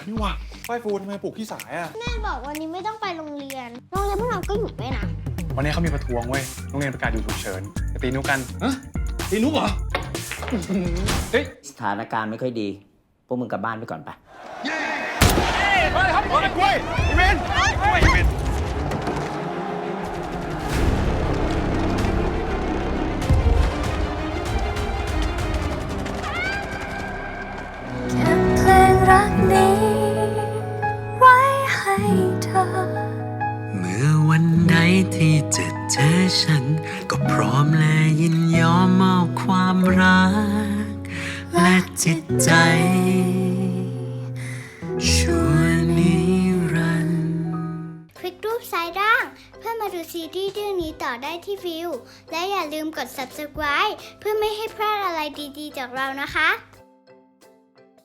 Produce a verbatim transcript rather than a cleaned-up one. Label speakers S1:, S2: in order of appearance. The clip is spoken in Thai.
S1: นี่หว่าฝ้ายฟูทำไมปลุกพี่สายอ่ะ
S2: แม่บอกวันนี้ไม่ต้องไปโรงเรียนโรงเรียนพวกเราก็หยุดไปนะ
S1: วันนี้เขามีประท้วงเว้ยโรงเรียนประกาศหยุดฉุกเฉินจะตีนุกันฮะตีนุเหรอเฮ้ย
S3: สถานการณ์ไม่ค่อยดีพวกมึงกลับบ้านไปก่อนไป
S1: เย้มาเลยครับกล้วยกล้วยอีเมนกล้วยอีเมน
S4: รักนี้ไว้ให้เธอ
S5: เมื่อวันใดที่จะเจอฉันก็พร้อมและยินยอมมอบความรักและจิตใจชั่วนิรันดร์
S2: คลิกรูปซ้ายล่างเพื่อมาดูซีรีส์เรื่องนี้ต่อได้ที่วิวและอย่าลืมกด ซับสไครบ์ เพื่อไม่ให้พลาดอะไรดีๆจากเรานะคะ